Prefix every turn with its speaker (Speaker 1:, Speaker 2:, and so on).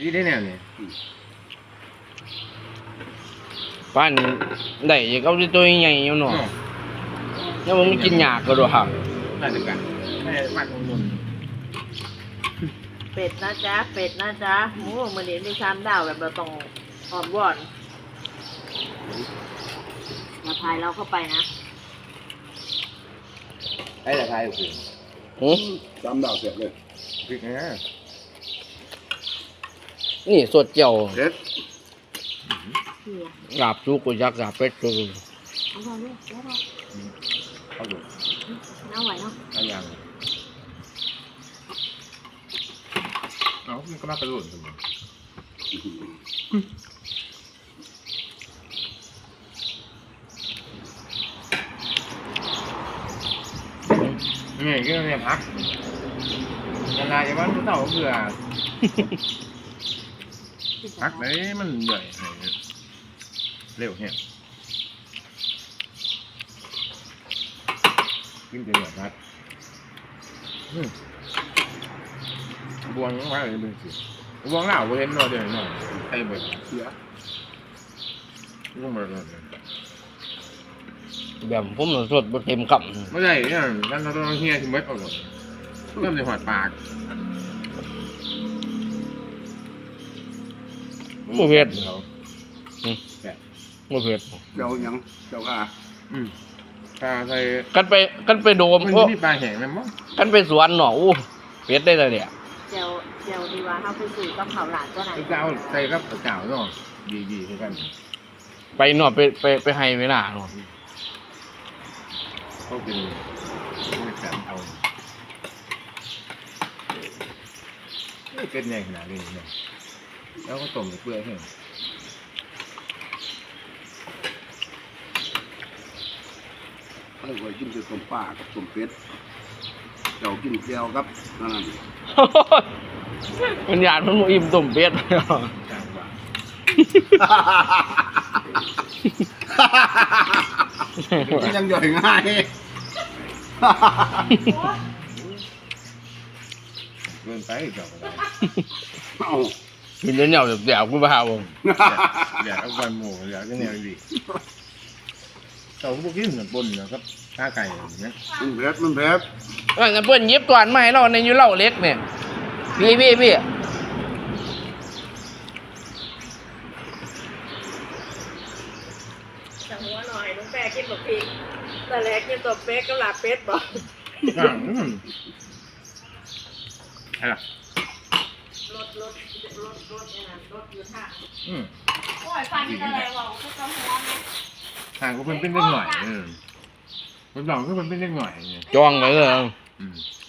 Speaker 1: ดีได้แนวเนี่ย
Speaker 2: ป้านได้อีกเอาที่ตัวใหญ่อยู่เนาะแล้วมันกินหยากก็ด้วยครับ
Speaker 1: น่าจะกันไม่ได้มากลงทุน
Speaker 3: เป็ดนะจ๊ะเป็ดนะจ๊ะโอ้มันนี้มีชามดาวแบบเราต้องหอมวอนมาพายเราเข้าไปนะ
Speaker 1: ไอ้แต่ไทยโอ้โห
Speaker 4: จำดาวเสร็จเลย
Speaker 1: พริกนะ
Speaker 2: นี่สดเจียว
Speaker 4: เด็ด
Speaker 3: เฮีย
Speaker 2: กาบซุกกูยักษ์กาบเป็ดกู
Speaker 3: เอาพอลูกเอาพอ
Speaker 1: เอาดู
Speaker 3: เอาไหวเนาะ
Speaker 1: เอาอย่างเอามันก็น่ากระโดดเลยนี่ก็เนี่ยพักกันลายจะว่าผู้เต่าเบื่อพักเลยมันใหญ่เร็วเนี่ยกินเดือดพักบวงว่าอะไรเป็นสิบวงเหล่าเห็นหน่อยเดียวหน่อยไอ้เบิร์ด
Speaker 4: เสีย
Speaker 1: รุ่งเบิร์ดเลย
Speaker 2: แบบผมน่ะสดบ่เต็มค
Speaker 1: ไม่ใช่เนี่ยนั่นเราต้องเฮียที่เม็ดเอาเลยเริ่มในหัวปาก
Speaker 2: ำบ่เผ็ด
Speaker 1: เขา
Speaker 2: บ่เผ็ด
Speaker 4: เจ้าหยังเจ้าข้า
Speaker 1: ถ้าใส่
Speaker 2: กันไปโดม
Speaker 1: มัน
Speaker 2: โอ้
Speaker 1: มีปลาแห้งไหมมั้ง
Speaker 2: กันไปสวนเนาะอู้เผ็ดได้เลยเนี่ย
Speaker 3: เจียวเจียวดีว่าเขาไปสู่ต้องเผาหลานก็ไหน
Speaker 1: ไอ้เจ้าใส่กับเจ้าเนาะดีๆคือกัน
Speaker 2: ไปเนาะไปให้เวลาเนาะ
Speaker 1: เขาเป็นแบบเอาเป็นใหญ่ขนาดนี้เนี่ยแล้วก็ต้มเปลือยให้
Speaker 4: ให้ไว้กินกับต้มปลากับต้มเป็ดเจ้ากินแก้วครับนั่น
Speaker 2: มันหยาดมันบ่อิ่มต้มเป็ด
Speaker 1: กลางว่า
Speaker 4: ยังย่อยง่าย
Speaker 1: เกินไปเจ้าก็ได้
Speaker 4: เอา
Speaker 2: กินแล้วเหนียวเดี๋ยวกูบ่หาบ่
Speaker 1: อยากเอาใบหมูอยากจะแนวดีเจ้าพวกกินเหมือนปนนะครับข้าไก่เนี่ย
Speaker 4: มันเผ็ด
Speaker 2: ว่าจะเพิ่นหยิบตวนมาให้เราในอยู่เหล้าเล็กเนี่ยพี่
Speaker 3: จังหัวหน่อยน้องแปะกินแบบพริกแต่แรกกินตัวเป็ดกับลาเป็ดบอก
Speaker 1: อะไร
Speaker 3: รถเนี่ยนะรถอยู่ท่า
Speaker 1: อืม
Speaker 3: โอ้ยฟันนี่อะไรวะก็ต้องหัวเนี่ย
Speaker 1: ห่างก็เป็นเล็กหน่อยเป็นหลองก็เป็นเล็กหน่อยเนี่ย
Speaker 2: จองไว้เลย
Speaker 1: อืม